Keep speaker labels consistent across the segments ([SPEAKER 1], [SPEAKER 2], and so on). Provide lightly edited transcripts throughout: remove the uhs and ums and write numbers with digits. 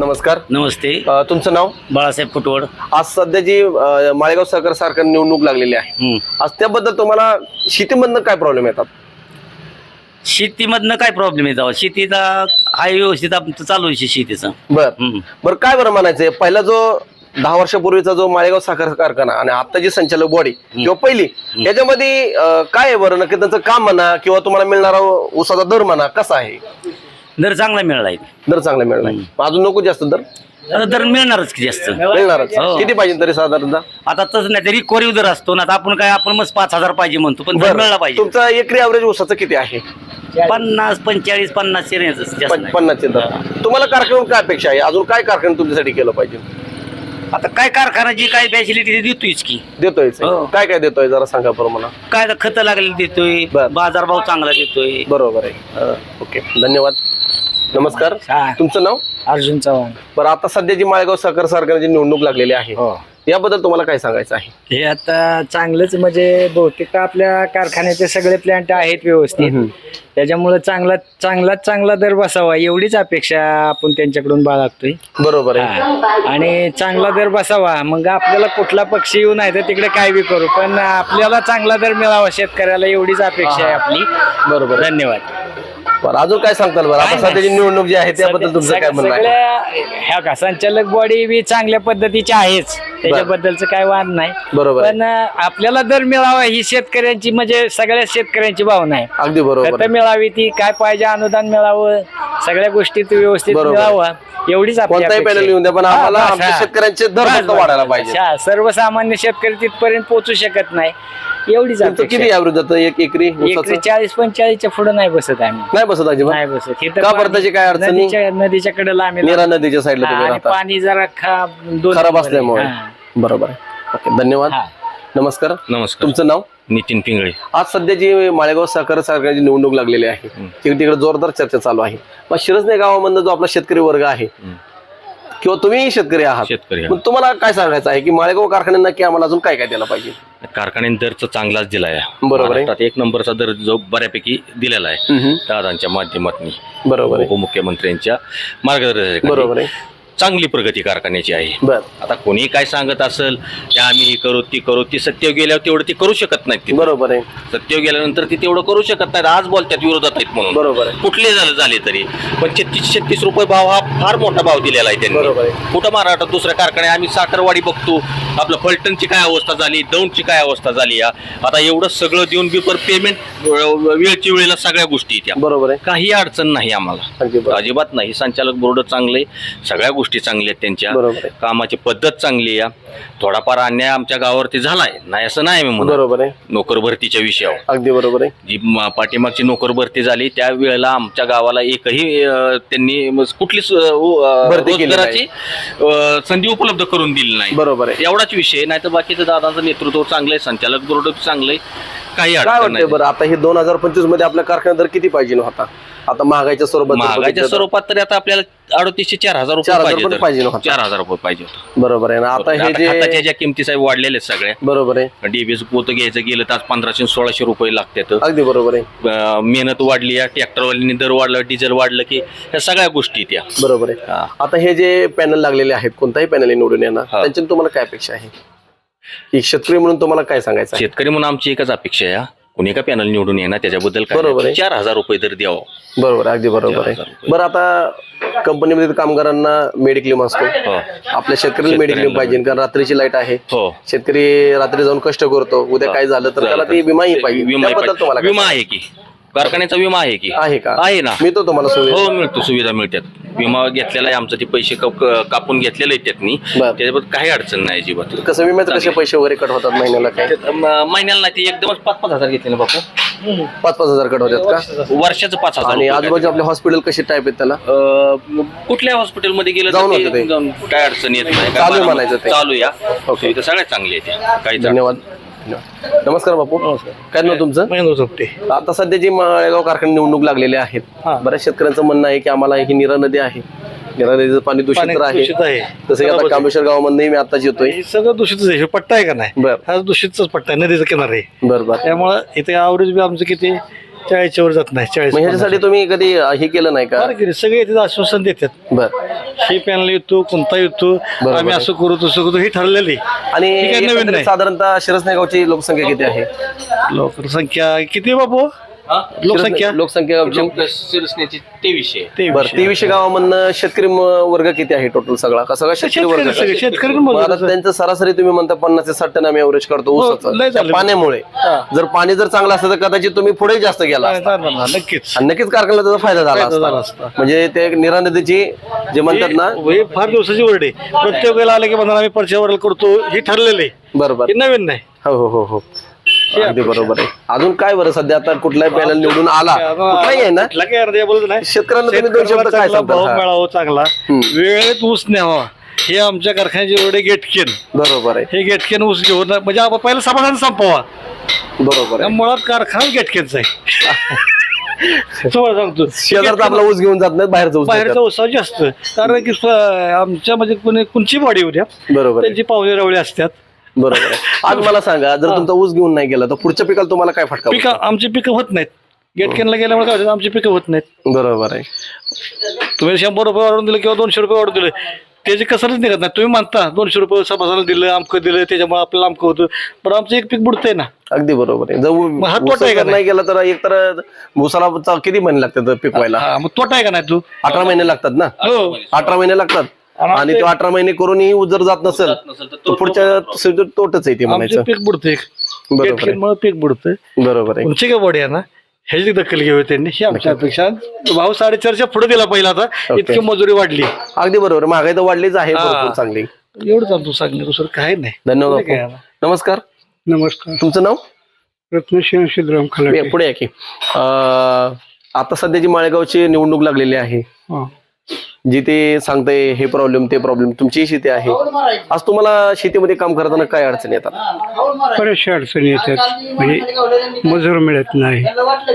[SPEAKER 1] नमस्कार.
[SPEAKER 2] नमस्ते.
[SPEAKER 1] तुमचं नाव?
[SPEAKER 2] बाळासाहेब फुटवड.
[SPEAKER 1] आज सध्या जी माळेगाव सहकार सारखी निवडणूक लागलेली आहे, आज त्याबद्दल तुम्हाला शेतीमधनं काय प्रॉब्लेम येतात?
[SPEAKER 2] शेतीमधनं काय प्रॉब्लेम येतो? शेतीचा हाय व्यवस्थित आमचं चालू आहे शेतीचं.
[SPEAKER 1] बरं काय बरं म्हणायचंय, पहिला जो 10 वर्षापूर्वीचा जो माळेगाव साखर कारखाना आणि आता जी संचालक बॉडी किंवा पहिली, याच्यामध्ये काय आहे बरं नक्की त्यांचं काम म्हणा किंवा तुम्हाला मिळणारा ऊसाचा दर म्हणा कसा आहे?
[SPEAKER 2] दर चांगला मिळालाय.
[SPEAKER 1] दर चांगला मिळणार, अजून नको जास्त दर?
[SPEAKER 2] दर मिळणारच की जास्त.
[SPEAKER 1] मिळणारच. किती पाहिजे तरी साधारणतः?
[SPEAKER 2] आता तसं नाही तरी कोरीव दर असतो ना, आपण मग 5,000 पाहिजे म्हणतो, पण दर मिळाला पाहिजे.
[SPEAKER 1] तुमचा एकरी ॲव्हरेज ऊसाचं किती आहे?
[SPEAKER 2] 50, 45, 50 चे रेंज जास्त नाही.
[SPEAKER 1] 50 दर. तुम्हाला कारखान्यावर काय अपेक्षा आहे? अजून काय कारखाना तुमच्यासाठी केलं पाहिजे?
[SPEAKER 2] आता काय कारखानाची काय फॅसिलिटी देतोयच की.
[SPEAKER 1] देतोय. काय काय देतोय जरा सांगा बरं मला.
[SPEAKER 2] काय खतं लागलेली देतोय, बाजारभाव चांगला देतोय.
[SPEAKER 1] बरोबर आहे. ओके, धन्यवाद. नमस्कार. तुमचं नाव?
[SPEAKER 3] अर्जुन चव्हाण.
[SPEAKER 1] बरं, आता सध्या जी माळेगाव सहकार कारखान्याची निवडणूक लागलेली आहे, याबद्दल तुम्हाला काय सांगायचं आहे?
[SPEAKER 3] हे आता चांगलंच, म्हणजे बहुतेक आपल्या कारखान्याचे सगळे प्लांट आहेत व्यवस्थित, त्याच्यामुळे चांगला दर बसावा एवढीच अपेक्षा आपण त्यांच्याकडून बाळगतोय.
[SPEAKER 1] बरोबर आहे.
[SPEAKER 3] आणि चांगला दर बसावा, मग आपल्याला कुठला पक्षी येऊ नाही तर तिकडे काय बी करू, पण आपल्याला चांगला दर मिळावा शेतकऱ्याला एवढीच अपेक्षा आहे आपली.
[SPEAKER 1] बरोबर.
[SPEAKER 3] धन्यवाद.
[SPEAKER 1] बरं, अजून काय सांगताल बरं? आता सध्याची निवडणूक जी आहे त्याबद्दल तुमचं काय म्हणणं आहे?
[SPEAKER 3] ह्या का संचालक बॉडी बी चांगल्या पद्धतीची आहेच, त्याच्याबद्दलच काय वाद नाही.
[SPEAKER 1] बरोबर.
[SPEAKER 3] पण आपल्याला दर मिळावा ही शेतकऱ्यांची, म्हणजे सगळ्या शेतकऱ्यांची भावना आहे.
[SPEAKER 1] अगदी बरोबर.
[SPEAKER 3] खतं मिळावी, ती काय पाहिजे अनुदान मिळावं, सगळ्या गोष्टी व्यवस्थित मिळावं एवढीच
[SPEAKER 1] कोणताही पॅनल येऊन द्या, पण आम्हाला आमच्या शेतकऱ्यांचे दर फक्त वाढायला पाहिजे.
[SPEAKER 3] सर्वसामान्य शेतकरी तिथपर्यंत पोहोचू शकत नाही, एवढीच
[SPEAKER 1] तुमचं किती ॲव्हरेज जातं एक एकरी?
[SPEAKER 3] 40-45 पुढे नाही बसत आम्ही.
[SPEAKER 1] नाही बसत अजिबात?
[SPEAKER 3] नाही बसत.
[SPEAKER 1] का बरं, त्याची काय अडचणी?
[SPEAKER 3] नदीच्या कडेला आम्ही,
[SPEAKER 1] नीरा नदीच्या साईडला तुम्ही राहता.
[SPEAKER 3] पाणी जरा
[SPEAKER 1] खराब असल्यामुळे. बरोबर आहे. ओके, धन्यवाद. नमस्कार.
[SPEAKER 4] नमस्कार.
[SPEAKER 1] तुमचं नाव?
[SPEAKER 4] नितीन पिंगळे.
[SPEAKER 1] आज सध्या जी माळेगाव सहकार कारखान्याची निवडणूक लागलेली आहे, तिकडे जोरदार चर्चा चालू आहे. मग शिरसने गावामधनं जो आपला शेतकरी वर्ग आहे किंवा तुम्ही शेतकरी आहात,
[SPEAKER 4] शेतकरी.
[SPEAKER 1] मग तुम्हाला काय सांगायचं आहे की माळेगाव कारखान्यांना की आम्हाला अजून काय काय द्यायला पाहिजे?
[SPEAKER 4] कारखान्याने दर चांगलाच दिलाय.
[SPEAKER 1] बरोबर आहे.
[SPEAKER 4] एक नंबरचा दर जो बऱ्यापैकी दिलेला आहे दादांच्या माध्यमातून.
[SPEAKER 1] बरोबर आहे.
[SPEAKER 4] उपमुख्यमंत्र्यांच्या मार्गदर्शनाखाली
[SPEAKER 1] बरोबर आहे.
[SPEAKER 4] चांगली प्रगती कारखान्याची आहे.
[SPEAKER 1] बर.
[SPEAKER 4] आता कोणी काय सांगत असेल की आम्ही हे करू ती करू, ती सत्य गेल्यावर तेवढं ती करू शकत नाहीत.
[SPEAKER 1] बरोबर आहे.
[SPEAKER 4] सत्य गेल्यानंतर ती तेवढं करू शकत नाहीत. आज बोलतात विरोधात आहेत म्हणून.
[SPEAKER 1] बरोबर आहे.
[SPEAKER 4] कुठले झाले तरी पण 36 रुपये भाव हा फार मोठा भाव दिलेला आहे त्यांनी.
[SPEAKER 1] बरोबर आहे.
[SPEAKER 4] कुठं महाराष्ट्रात दुसऱ्या कारखाने आम्ही साखरवाडी बघतो, आपलं फलटणची काय अवस्था झाली, दौंडची काय अवस्था झाली. आता एवढं सगळं देऊन बिपर पेमेंट वेळची वेळेला सगळ्या गोष्टी त्या. बरोबर आहे. काही अडचण नाही आम्हाला, अजिबात नाही. संचालक बोर्ड चांगले, सगळ्या गोष्टी चांगल्या आहेत त्यांच्या. कामाची पद्धत चांगली आहे. थोडाफार अन्याय आमच्या गावावरती झालाय, नाही असं नाही मी म्हणतो. बरोबर आहे. नोकर भरतीच्या विषयावर अगदी बरोबर आहे. जी पाठीमागची नोकर भरती झाली त्या वेळेला आमच्या गावाला एकही त्यांनी कुठलीच रोजगाराची संधी उपलब्ध करून दिली नाही. बरोबर आहे. एवढाच विषय, नाही तर बाकीचं दादांचं नेतृत्व चांगलंय, संचालक बोर्ड चांगलंय, काही अडचण नाही. बरं, आता हे 2025 मध्ये आपल्या कारखान्यात दर किती पाहिजे होता? आता महागाईच्या स्वरूपात तरी आता आपल्याला 3800 ते 4000 रुपये पाहिजे. 4000 रुपये पाहिजे. बरोबर आहे ना. आता हे जे ज्या किमती साहेब वाढलेले सगळ्या. बरोबर आहे. डीबीएस पोत घ्यायचं गेलं तर 1500-1600 रुपये लागतात. अगदी बरोबर आहे. मेहनत वाढली, ट्रॅक्टरवाल्यांनी दर वाढलं, डिझेल वाढलं की ह्या सगळ्या गोष्टी त्या. बरोबर आहे. आता हे जे पॅनल लागलेले आहेत, कोणताही पॅनल निवडून येणार, त्यांच्यातून तुम्हाला काय अपेक्षा आहे? एक शेतकरी म्हणून तुम्हाला काय सांगायचं? शेतकरी म्हणून आमची एकच अपेक्षा आहे, कुणी का पॅनल निवडून येणार त्याच्याबद्दल बरोबर आहे. 4000 रुपये तर द्यावं. बरोबर, अगदी बरोबर आहे. बरं, आता कंपनीमध्ये कामगारांना मेडिक्लेम असतो, आपल्या शेतकऱ्याला मेडिक्लेम पाहिजे, कारण रात्रीची लाईट आहे. शेतकरी रात्री जाऊन कष्ट करतो, उद्या काय झालं तर त्याला ती विमाही पाहिजे. विमा आहे की कारखान्याचा विमा आहे की? आहे का? आहे ना. मिळतो तुम्हाला सुविधा? हो, मिळतो, सुविधा मिळतात. विमा घेतलेला आहे आमचं, ते पैसे कापून घेतलेले आहेत त्यांनी, त्याच्याबद्दल काही अडचण नाही अजिबात. कसं विम्याचं कसे पैसे वगैरे कट होतात महिन्याला? काय महिन्याला नाही, ते एकदमच 5-5 हजार घेतले ना बापू. 5-5 हजार कट होतात का? वर्षाचं 5,000. आणि आजूबाजू आपले हॉस्पिटल कसे टाईप आहेत त्याला? कुठल्या हॉस्पिटलमध्ये गेलं जाऊन काय अडचण येत नाही. चालू म्हणायचं, चालू या सगळ्यात चांगली आहे. काही. धन्यवाद. नमस्कार बापू. काय नाव तुमचं? महेंद्र चोपटे. आता सध्या जी माळेगाव कारखाना निवडणूक लागलेल्या आहेत, बऱ्याच शेतकऱ्यांचं म्हणणं आहे की आम्हाला ही नीरा नदी आहे, नीरा नदीचं पाणी दूषित आहे. तसं आता कामेश्वर गावामध्ये मी आताच येतोय,
[SPEAKER 5] सगळं दूषितच आहे. पट्टा आहे का नाही? हा दूषितच पट्टा आहे, नदीचा किनारा आहे.
[SPEAKER 1] बरोबर.
[SPEAKER 5] त्यामुळे इथे ॲव्हरेज बी आमचं किती 40च्या वर जात नाही. 40
[SPEAKER 1] मग ह्याच्यासाठी तुम्ही कधी हे केलं नाही का?
[SPEAKER 5] सगळे येतात आश्वासन देतात.
[SPEAKER 1] बर.
[SPEAKER 5] हे पॅनल येतो कोणता येतो आम्ही असं करू तसं करू हे ठरलेलं आहे.
[SPEAKER 1] आणि
[SPEAKER 5] हे काही नवीन
[SPEAKER 1] एकंदरीत
[SPEAKER 5] नाही.
[SPEAKER 1] साधारणतः शिरसने गावची लोकसंख्या किती आहे?
[SPEAKER 5] लोकसंख्या किती बाबू लोकसंख्या
[SPEAKER 1] लोकसंख्या
[SPEAKER 4] शिरसण्याची 2300.
[SPEAKER 1] बरं 2300 गावामधनं शेतकरी वर्ग किती आहे टोटल सगळा का सगळा शेतकरी वर्ग का?
[SPEAKER 5] शेतकरी शेतकरी
[SPEAKER 1] मग आता त्यांचं सरासरी तुम्ही म्हणता 50 ते 60 टन आम्ही एव्हरेज करतो
[SPEAKER 5] लय
[SPEAKER 1] ऊसाचं
[SPEAKER 5] झालं.
[SPEAKER 1] त्या पाण्यामुळे. जर पाणी जर चांगलं असतं तर कदाचित तुम्ही पुढे जास्त गेला असता.
[SPEAKER 5] नक्कीच
[SPEAKER 1] आणि नक्कीच कारखान्याला त्याचा फायदा झाला
[SPEAKER 5] झाला
[SPEAKER 1] असता. म्हणजे ते निरा नदीची जे म्हणतात ना.
[SPEAKER 5] हे फार दिवसाची वर्ड आहे. प्रत्येक वेळेला आले की म्हणा आम्ही परच्या वर्ड करतो हे ठरलेलं आहे.
[SPEAKER 1] बरोबर.
[SPEAKER 5] हे नवीन नाही.
[SPEAKER 1] हो हो हो हो अगदी बरोबर आहे. अजून काय बरं सध्या आता कुठलाही पॅनल निवडून आला कुठलाही आहे ना
[SPEAKER 5] कुठला काय अर्ध्या बोलत नाही.
[SPEAKER 1] शेतकऱ्यांना तुम्ही दोन शब्द काय
[SPEAKER 5] चांगला भाव
[SPEAKER 1] सांगता?
[SPEAKER 5] मिळावा चांगला वेळेत ऊस न्यावा हे आमच्या कारखान्याचे एवढे गेटकेन.
[SPEAKER 1] बरोबर आहे.
[SPEAKER 5] हे गेटकेन ऊस घेऊन म्हणजे आपण पहिला समाधान संपवा.
[SPEAKER 1] बरोबर आहे.
[SPEAKER 5] मुळात कारखाना गेटकेनचा आहे. समोर सांगतो
[SPEAKER 1] शेजारचा आपला ऊस घेऊन जात नाही बाहेरचा ऊस
[SPEAKER 5] बाहेरचा
[SPEAKER 1] घेतात.
[SPEAKER 5] उत्साह जास्त कारण की आमच्या म्हणजे कोणची बॉडी उद्या
[SPEAKER 1] बरोबर आहे.
[SPEAKER 5] त्यांची पाहुणे रवळे असतात.
[SPEAKER 1] बरोबर आहे. आज मला सांगा जर तुमचा ऊस घेऊन नाही गेला तर पुढच्या पिकाला तुम्हाला काय फटका
[SPEAKER 5] पिकं
[SPEAKER 1] बसतो?
[SPEAKER 5] आमची पिकं होत नाहीत. गेटकेनला गेल्यामुळे काय होतं आमची पिकं होत नाहीत.
[SPEAKER 1] बरोबर आहे.
[SPEAKER 5] तुम्ही 100 रुपये वाढवून दिले किंवा 200 रुपये वाढवून दिले त्याची कसरच निघत नाही. तुम्ही म्हणता 200 रुपये सभासाला दिलं अमकं दिलं त्याच्यामुळे आपल्याला अमकं होतं पण आमचं एक पीक बुडतंय ना.
[SPEAKER 1] अगदी बरोबर आहे. जर
[SPEAKER 5] हा तोटा आहे का
[SPEAKER 1] ऊस नाही गेला तर एक तर ऊसाला किती महिने लागतात पिकवायला?
[SPEAKER 5] हा, मग तोटा आहे का नाही तू?
[SPEAKER 1] 18 महिने लागतात ना.
[SPEAKER 5] हो
[SPEAKER 1] 18 महिने लागतात. आणि तो 18 महिने करूनही ऊस जर जात नसेल तर पुढच्या तोटच आहे ते
[SPEAKER 5] आमचं
[SPEAKER 1] म्हणायचं.
[SPEAKER 5] पीक बुडतंय.
[SPEAKER 1] बरोबर आहे.
[SPEAKER 5] गेटकेनमुळे पीक बुडतंय.
[SPEAKER 1] बरोबर आहे.
[SPEAKER 5] उंची काय बॉडी आहे ना ह्याची दखल घ्यावी त्यांनी ही आमच्या अपेक्षा. भाव 4.5च्या पुढे दिला पहिला आता इतकी मजुरी वाढली.
[SPEAKER 1] अगदी बरोबर. महागाई तर वाढलीच आहे भरपूर चांगली.
[SPEAKER 5] एवढंच आमचं सांगणं दुसरं काय नाही.
[SPEAKER 1] धन्यवाद
[SPEAKER 5] काय
[SPEAKER 1] बापू. नमस्कार.
[SPEAKER 6] नमस्कार.
[SPEAKER 1] तुमचं नाव?
[SPEAKER 6] रत्नश्याम सिद्धराम खलाटे.
[SPEAKER 1] पुढे या की. आता सध्याची माळेगावची निवडणूक लागलेली आहे
[SPEAKER 6] हा.
[SPEAKER 1] जी ते सांगताय हे प्रॉब्लेम ते प्रॉब्लेम तुमची शेती आहे. आज तुम्हाला शेतीमध्ये काम करताना काय अडचणी येतात?
[SPEAKER 6] बऱ्याचशा अडचणी येतात म्हणजे मजूर मिळत नाही.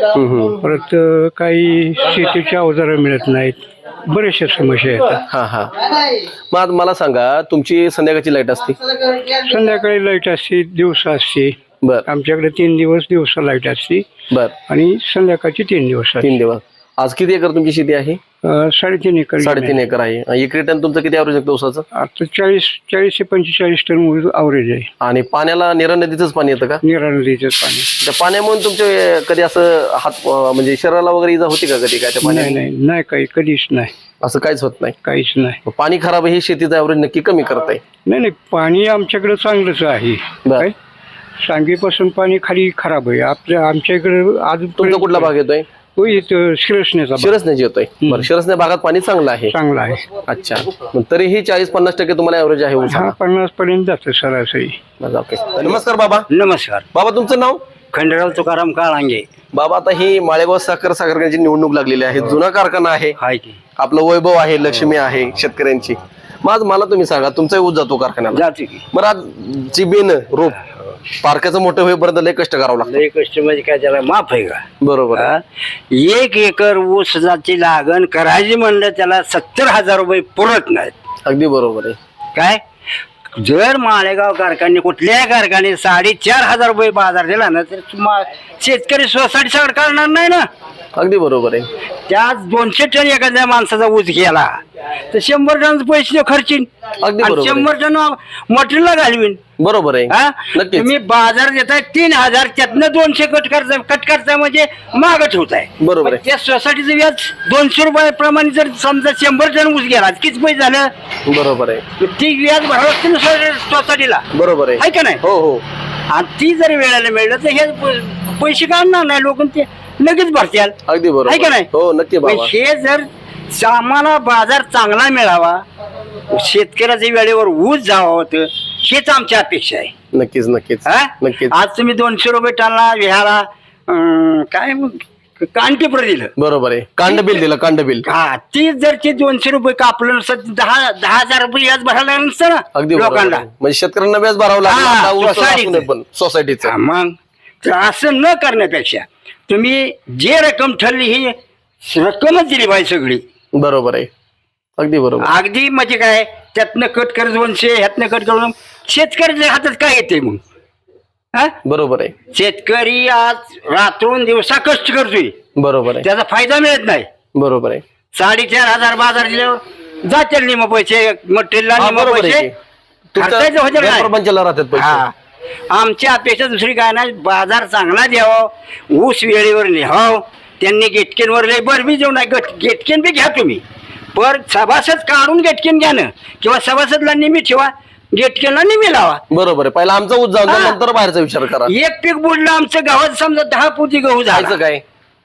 [SPEAKER 6] परत काही शेतीची अवजारं मिळत नाहीत. बऱ्याचशा समस्या येतात.
[SPEAKER 1] हा हा. मग आज मला सांगा तुमची संध्याकाळची लाईट असते?
[SPEAKER 6] संध्याकाळी लाईट असते दिवसा असते.
[SPEAKER 1] बर
[SPEAKER 6] आमच्याकडे 3 दिवस दिवसा लाईट असते
[SPEAKER 1] बर.
[SPEAKER 6] आणि संध्याकाळची 3 दिवस असते.
[SPEAKER 1] 3 दिवस. आज किती एकर तुमची शेती आहे?
[SPEAKER 6] 3.5 एकर.
[SPEAKER 1] 3.5 एकर आहे. एक टन तुमचं किती ॲव्हरेज आहे ऊसाचं?
[SPEAKER 6] आता 40 ते 45 टन अवरेज आहे.
[SPEAKER 1] आणि पाण्याला निरा नदीचंच पाणी येतं का?
[SPEAKER 6] निरा नदीचं पाणी.
[SPEAKER 1] त्या पाण्यामुळे तुमचे कधी असं हात म्हणजे शरीराला वगैरे इजा होती का कधी काय त्या
[SPEAKER 6] नाही
[SPEAKER 1] पाण्याने?
[SPEAKER 6] नाही नाही काही कधीच नाही.
[SPEAKER 1] असं काहीच होत नाही.
[SPEAKER 6] काहीच नाही.
[SPEAKER 1] मग पाणी खराब हे शेतीचं ॲव्हरेज नक्की कमी करत आहे.
[SPEAKER 6] नाही नाही पाणी आमच्याकडे चांगलंच आहे.
[SPEAKER 1] बर.
[SPEAKER 6] काय सांगवीपासून पाणी खाली खराब आहे. आमच्या इकडे अजून
[SPEAKER 1] तुमचा कुठला भाग येतोय?
[SPEAKER 6] शिरसण्याचा भाग
[SPEAKER 1] शिरसण्याची येतोय. बरं शिरसण्या भागात पाणी चांगलं आहे.
[SPEAKER 6] चांगला आहे.
[SPEAKER 1] अच्छा. मग तरीही 40-50% तुम्हाला ॲव्हरेज आहे ऊसाला.
[SPEAKER 6] हा 50 पर्यंत जातं सरासरी.
[SPEAKER 1] बरं, ओके. नमस्कार बाबा.
[SPEAKER 3] नमस्कार.
[SPEAKER 1] बाबा तुमचं नाव?
[SPEAKER 3] खंडेराव तुकाराम काळांगे.
[SPEAKER 1] बाबा आता ही माळेगाव साखर कारखान्याची निवडणूक लागलेली आहे. जुना कारखाना आहे.
[SPEAKER 3] हाय की
[SPEAKER 1] आपलं वैभव आहे लक्ष्मी आहे शेतकऱ्यांची. मग आज मला तुम्ही सांगा तुमचा ऊस जातो कारखान्याला.
[SPEAKER 3] जाते की
[SPEAKER 1] बरं आज जी बेन रोप पारख्याचं मोठं होईपर्यंत लय कष्ट करावं लागतं.
[SPEAKER 3] लय कष्ट म्हणजे काय त्याला माफ आहे का?
[SPEAKER 1] बरोबर आहे.
[SPEAKER 3] 1 एकर ऊसाची लागण करायची म्हणलं त्याला 70,000 रुपये पुरत नाहीत.
[SPEAKER 1] अगदी बरोबर आहे.
[SPEAKER 3] काय जर माळेगाव कारखाने कुठल्याही कारखाने 4,500 रुपये बाजार दिला ना तर शेतकरी सोसायटी सगळं करणार नाही ना.
[SPEAKER 1] अगदी बरोबर आहे.
[SPEAKER 3] त्यात 200 टन एखाद्या माणसाचा ऊस गेला तर 100 टन पैसे खर्चीन.
[SPEAKER 1] अगदी बरोबर आहे.
[SPEAKER 3] 100 टन मटेरियलला घालवीन.
[SPEAKER 1] बरोबर आहे.
[SPEAKER 3] हा
[SPEAKER 1] नक्कीच.
[SPEAKER 3] तुम्ही बाजार देताय 3,000 त्यातनं 200 कट करताय म्हणजे माग ठेवताय.
[SPEAKER 1] बरोबर आहे.
[SPEAKER 3] त्या सोसायटीचं व्याज 200 रुपयाप्रमाणे जर समजा 100 टन ऊस गेला किती पैसे झालं?
[SPEAKER 1] बरोबर आहे.
[SPEAKER 3] ती व्याज भरावं लागते ना सोसायटीला.
[SPEAKER 1] बरोबर आहे.
[SPEAKER 3] आहे का नाही?
[SPEAKER 1] हो हो.
[SPEAKER 3] आणि ती जर वेळेला मिळलं तर हे पैसे काढणार नाही लोक ते लगेच भरतील.
[SPEAKER 1] अगदी बरोबर
[SPEAKER 3] आहे का नाही?
[SPEAKER 1] हो नक्की बाबा.
[SPEAKER 3] हे जर आम्हाला बाजार चांगला मिळावा शेतकऱ्याच्या वेळेवर ऊस जावं होतं हेच आमची अपेक्षा आहे.
[SPEAKER 1] नक्कीच नक्कीच
[SPEAKER 3] हा?
[SPEAKER 1] नक्कीच.
[SPEAKER 3] आज तुम्ही 200 रुपये टनला विहारा काय मग कानपेपर दिलं.
[SPEAKER 1] बरोबर आहे. कांड बिल दिलं कांड बिल.
[SPEAKER 3] हा ती जर ते 200 रुपये कापलं नसतं 10,000 रुपये व्याज भरायला लागलं नसतं
[SPEAKER 1] अगदी
[SPEAKER 3] ना
[SPEAKER 1] बरोबर
[SPEAKER 3] लोकांना.
[SPEAKER 1] आहे. म्हणजे शेतकऱ्यांना व्याज भरावं
[SPEAKER 3] हा,
[SPEAKER 1] लागलं
[SPEAKER 3] सोसायटीचं.
[SPEAKER 1] पण सोसायटीचं.
[SPEAKER 3] हा, मग तर असं न करण्यापेक्षा तुम्ही जे रक्कम ठरली ही रक्कमच दिली पाहिजे सगळी.
[SPEAKER 1] बरोबर आहे. अगदी बरोबर.
[SPEAKER 3] अगदी म्हणजे काय त्यातनं कट कर 200 ह्यातनं कट करून शेतकऱ्याच्या हातात काय येते मग? हा?
[SPEAKER 1] बरोबर आहे.
[SPEAKER 3] शेतकरी आज रात्रून दिवसा कष्ट करतोय,
[SPEAKER 1] बरोबर आहे.
[SPEAKER 3] त्याचा फायदा मिळत नाही.
[SPEAKER 1] बरोबर आहे.
[SPEAKER 3] 4,500 बाजार दिल्यावर जातील निम पैसे, मटेरियल
[SPEAKER 1] हा,
[SPEAKER 3] निम
[SPEAKER 1] बरोबर आहे
[SPEAKER 3] पैसे
[SPEAKER 1] की. तुमच्या
[SPEAKER 3] खर्चायचे होते नाही.
[SPEAKER 1] गैरप्रपंचाला राहतात पैसे.
[SPEAKER 3] हा. आमची अपेक्षा दुसरी काय नाही, बाजार चांगला द्यावा, ऊस वेळेवर लिहाव, त्यांनी गेटकेनवर लय बरबी जेवण नाही, गेटकेन बी घ्या तुम्ही, पर सभासद काढून गेटकेन घ्या ना, किंवा सभासदला निमी ठेवा, गेटकेनला निमी लावा.
[SPEAKER 1] बरोबर आहे. पहिला आमचा ऊस जाऊन द्या,
[SPEAKER 3] हा.
[SPEAKER 1] नंतर बाहेरचा विचार करा.
[SPEAKER 3] एक पीक बुडलं आमचं गावात, समजा 10 पोती गहू झाला,
[SPEAKER 1] खायचं काय?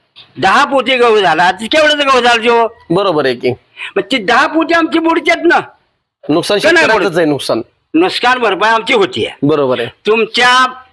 [SPEAKER 3] 10 पोती गहू झाला, केवढंच गहू झाला जो,
[SPEAKER 1] बरोबर आहे की.
[SPEAKER 3] मग ती 10 पोती आमची बुडतात ना,
[SPEAKER 1] नुकसान
[SPEAKER 3] का नाही
[SPEAKER 1] शेतकऱ्याचंच आहे नुकसान.
[SPEAKER 3] नुकसान भरपाई आमची होती.
[SPEAKER 1] बरोबर आहे.
[SPEAKER 3] तुमच्या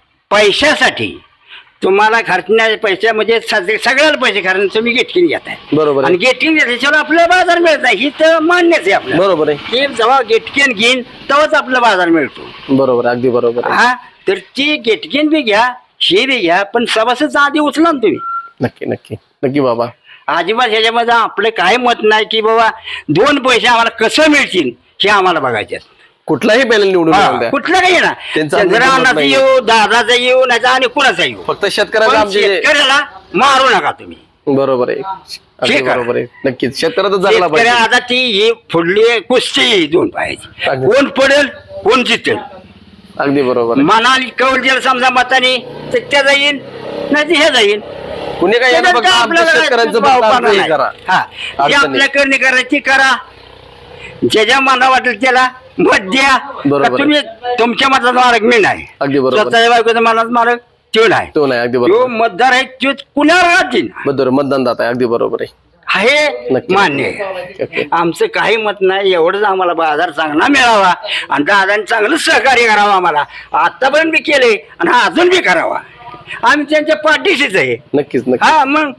[SPEAKER 3] पैशासाठी तुम्हाला खर्चण्याचे पैसे म्हणजे सगळ्याला पैसे खर्च तुम्ही गेटकिन घेताय,
[SPEAKER 1] बरोबर
[SPEAKER 3] आणि
[SPEAKER 1] आहे.
[SPEAKER 3] गेटकिन घेतल्याशिवाय आपल्याला बाजार मिळत नाही, ही तर मान्यच आहे आपल्याला.
[SPEAKER 1] बरोबर आहे.
[SPEAKER 3] की जेव्हा गेटकिन घेईन तेव्हाच आपला बाजार मिळतो.
[SPEAKER 1] बरोबर आहे. अगदी बरोबर आहे.
[SPEAKER 3] हा, तर ती गेटकिन बी घ्या, हे बी घ्या, पण सभासदचा आधी उचला ना तुम्ही.
[SPEAKER 1] नक्की नक्की नक्की बाबा.
[SPEAKER 3] अजिबात ह्याच्यामध्ये आपलं काही मत नाही की बाबा 2 पैसे आम्हाला कसं मिळतील हे आम्हाला बघायचे.
[SPEAKER 1] कुठलाही पॅनल निवडून येऊन द्या.
[SPEAKER 3] कुठलं काही ना,
[SPEAKER 1] त्यांचं
[SPEAKER 3] चंद्रकांताचा
[SPEAKER 1] नाही.
[SPEAKER 3] येऊ, दादाचा येऊ, नाही आणि कुणाचा येऊ,
[SPEAKER 1] फक्त शेतकऱ्याला
[SPEAKER 3] पण
[SPEAKER 1] आमचे
[SPEAKER 3] शेतकऱ्याला मारू नका तुम्ही.
[SPEAKER 1] बरोबर आहे. अगदी
[SPEAKER 3] ठीक आहे.
[SPEAKER 1] बरोबर आहे. नक्कीच शेतकऱ्याचा जगला पाहिजे.
[SPEAKER 3] शेतकऱ्या आता ती ही फुडली कुस्ती 2 पायाची,
[SPEAKER 1] अगदी.
[SPEAKER 3] कोण पडेल कोण जितेल.
[SPEAKER 1] अगदी बरोबर आहे.
[SPEAKER 3] मनाली कौल दिला समजा मताने तर त्या जाईल, नाही तर हे जाईल.
[SPEAKER 1] कुणी काय येणं
[SPEAKER 3] त्याच्यात
[SPEAKER 1] फक्त
[SPEAKER 3] काय
[SPEAKER 1] आमच्या
[SPEAKER 3] आपल्याला
[SPEAKER 1] शेतकऱ्यांचं
[SPEAKER 3] भाव
[SPEAKER 1] फक्त
[SPEAKER 3] पाहणं
[SPEAKER 1] आमचं हे
[SPEAKER 3] नाही.
[SPEAKER 1] करा.
[SPEAKER 3] हा, जे
[SPEAKER 1] अडचणी.
[SPEAKER 3] आपल्या करणे करायची करा, ज्याच्या मना वाटेल त्याला मत द्या.
[SPEAKER 1] बरोबर
[SPEAKER 3] का तुम्ही तुमच्या मताचा मार्ग मी नाही,
[SPEAKER 1] अगदी बरोबर.
[SPEAKER 3] स्वतःच्या बायकोचा मनाचा मार्ग तो नाही.
[SPEAKER 1] तो नाही. अगदी
[SPEAKER 3] जो
[SPEAKER 1] बरोबर.
[SPEAKER 3] मतदार आहे तो कुणाला राहतील
[SPEAKER 1] बरोबर मतदान दाता आहे. अगदी बरोबर आहे.
[SPEAKER 3] आहे,
[SPEAKER 1] नक्की.
[SPEAKER 3] मान्य आहे.
[SPEAKER 1] ओके.
[SPEAKER 3] आमचं काही मत नाही, एवढंच आम्हाला बाजार चांगला मिळावा आणि दादांनी चांगलं सहकार्य करावं आम्हाला. आतापर्यंत बी केले आणि अजून बी करावा, आम्ही त्यांच्या पाठीशीच आहे.
[SPEAKER 1] नक्कीच नक्की.
[SPEAKER 3] हा मग,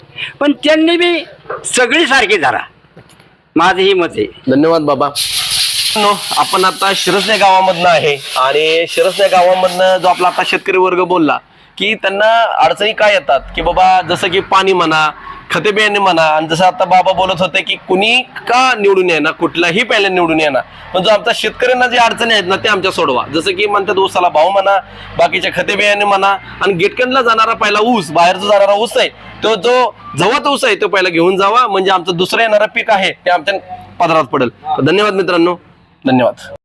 [SPEAKER 3] पण त्यांनी बी सगळी सारखी धरा, माझं ही मत आहे.
[SPEAKER 1] धन्यवाद बाबा. आपण आता शिरसने गावामधनं आहे आणि शिरसने गावामधनं जो आपला आता शेतकरी वर्ग बोलला की त्यांना अडचणी काय येतात, की बाबा जसं की पाणी म्हणा, खते बियाणे म्हणा, आणि जसं आता बाबा बोलत होते की कुणी का निवडून येणार, कुठलाही पॅनल निवडून येणार, पण जो आमच्या शेतकऱ्यांना जे अडचणी आहेत ना ते आमच्या सोडवा. जसं की म्हणतात ऊसाला भाव म्हणा, बाकीच्या खते बियाणे म्हणा, आणि गेटकनला जाणारा पहिला ऊस, बाहेरचा जाणारा ऊस आहे तो जो जवळ ऊस आहे तो पहिला घेऊन जावा, म्हणजे आमचं दुसरं येणारं पीक आहे ते आमच्या पदरात पडेल. धन्यवाद मित्रांनो, धन्यवाद.